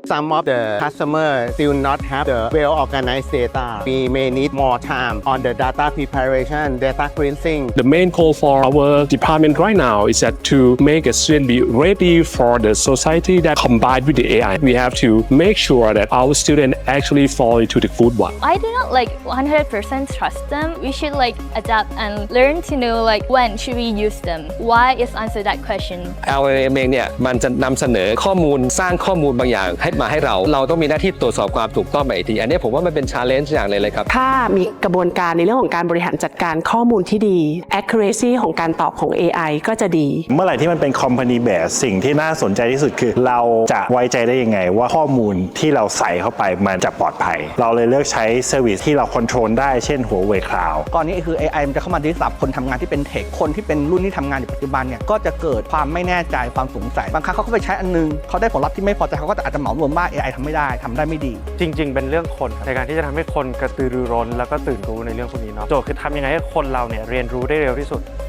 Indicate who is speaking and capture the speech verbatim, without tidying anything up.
Speaker 1: Some of the customers still not have the well-organized data. We may need more time on the data preparation, data cleansing.
Speaker 2: The main goal for our department right now is that to make a student be ready for the society that combined with the A I. We have to make sure that our students actually fall into the good one.
Speaker 3: I do not like one hundred percent trust them. We should like adapt and learn to know like when should we use them. Why is answer that question.
Speaker 4: แอล แอล เอ็ม เองเนี่ยมันจะนำเสนอข้อมูลสร้างข้อมูลบางอย่างให้มาให้เราเราต้องมีหน้าที่ตรวจสอบความถูกต้องไปอีกทีอันนี้ผมว่ามันเป็น challenge อย่างเลยเลยครับ
Speaker 5: ถ้ามีกระบวนการในเรื่องของการบริหารจัดการข้อมูลที่ดี accuracy ของการตอบของ เอ ไอ ก็จะดี
Speaker 6: เมื่อไหร่ที่มันเป็น company base สิ่งที่น่าสนใจที่สุดคือเราจะไว้ใจได้ยังไงว่าข้อมูลที่เราใส่เข้าไปมันจะปลอดภัยเราเลยเลือกใช้ service ที่เรา control ได้เช่น Huawei Cloud
Speaker 7: ก่อนนี้คือ เอ ไอ มันจะเข้ามาดิสรับคนทำงานที่เป็นเทคคนที่เป็นรุ่นที่ทำงานอยู่ปัจจุบันเนี่ยก็จะเกิดความไม่แน่ใจความสงสัยบางครั้งเขาก็ไปใช้อันนึงเขาได้ผลลัพธ์ที่ไม่พอใจเขาก็อาจจะเหมารวมว่า เอ ไอ ทำไม่ได้ทำได้ไม่ดี
Speaker 8: จริงๆเป็นเรื่องคนในการที่จะทำให้คนกระตือรือร้นแล้วก็ตื่นรู้ในเรื่องพวกนี้เนาะโจทย์คือทำยังไงให้คนเราเนี่ยเรียนรู้ได้เร็วที่สุด